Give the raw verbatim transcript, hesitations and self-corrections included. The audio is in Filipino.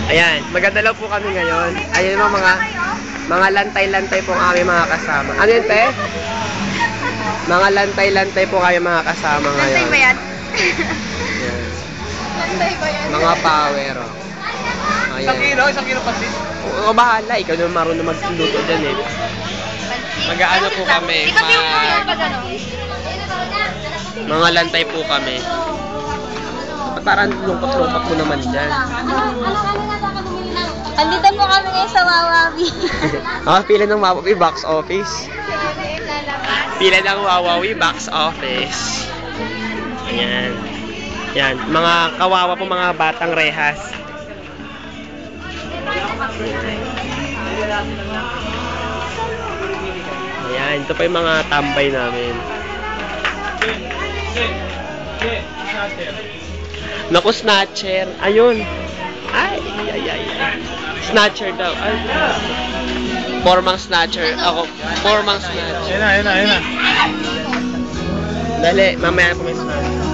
Ayan, maganda lang po kami ngayon. Ayan yung mga mga lantay-lantay po kami mga kasama. Ano yun, te? Mga lantay-lantay po kayo mga kasama ngayon. Lantay ba yan? Ayan. Lantay ba yan? Mga power. Oh. Ayan. Isang kilo, isang kilo patis. Oo, bahala. Ikaw naman marunong magluto dyan eh. Mag-aano po kami. Di ba yung Mag... mga pag ano? Mga lantay po kami. Parang lungkot-lungkot mo naman dyan. Andito po kami ngayon sa Wawawi. Ah, pila ng Wawawi box office. Pila ng Wawawi box office. Ayan. Yan, mga kawawa po mga batang rehas. Ayan, ito pa yung mga tambay namin. Naku, snatcher. Ayun. Ay, ay, ay, ay. Snatcher daw. Ay. Formang snatcher. Ako, formang snatcher. Ayun na, ayun na, ayun na. Dali, mamaya po may snatcher.